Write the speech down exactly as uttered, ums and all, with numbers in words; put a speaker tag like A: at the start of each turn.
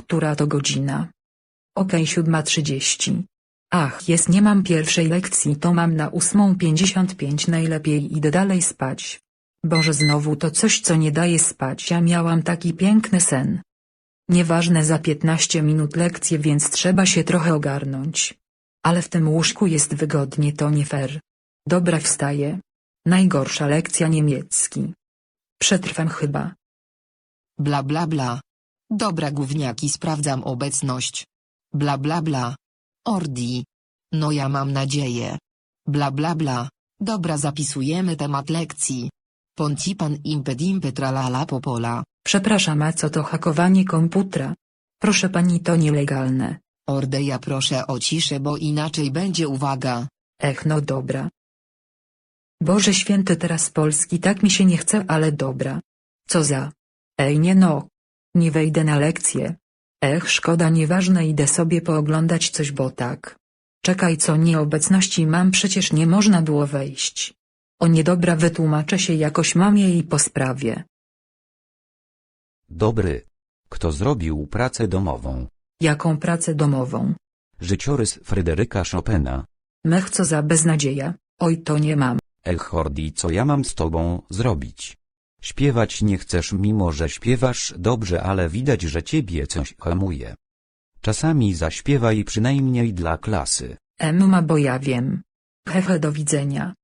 A: Która to godzina? Okej, siódma trzydzieści. Ach, jest, nie mam pierwszej lekcji, to mam na ósmą pięćdziesiąt pięć, najlepiej idę dalej spać. Boże, znowu to coś, co nie daje spać, ja miałam taki piękny sen. Nieważne, za piętnaście minut lekcje, więc trzeba się trochę ogarnąć. Ale w tym łóżku jest wygodnie, to nie fair. Dobra, wstaję. Najgorsza lekcja niemiecki. Przetrwam chyba.
B: Bla bla bla. Dobra gówniaki, sprawdzam obecność. Bla bla bla. Ordi. No ja mam nadzieję. Bla bla bla. Dobra, zapisujemy temat lekcji. Poncipan impedimpy tralala popola.
A: Przepraszam, a co to hakowanie komputera? Proszę pani, to nielegalne.
B: Ordeja, proszę o ciszę, bo inaczej będzie uwaga.
A: Ech, no dobra. Boże święty, teraz Polski tak mi się nie chce, ale dobra. Co za? Ej, nie no. Nie wejdę na lekcję. Ech, szkoda, nieważne, idę sobie pooglądać coś, bo tak. Czekaj, co, nieobecności mam, przecież nie można było wejść. O niedobra, wytłumaczę się jakoś mamie i po sprawie.
C: Dobry. Kto zrobił pracę domową?
A: Jaką pracę domową?
C: Życiorys Fryderyka Chopina.
A: Mech, co za beznadzieja, oj, to nie mam.
C: Ech, Hordi, co ja mam z tobą zrobić? Śpiewać nie chcesz, mimo że śpiewasz dobrze, ale widać, że ciebie coś hamuje. Czasami zaśpiewaj przynajmniej dla klasy.
A: Emma, bo ja wiem. Hehe, do widzenia.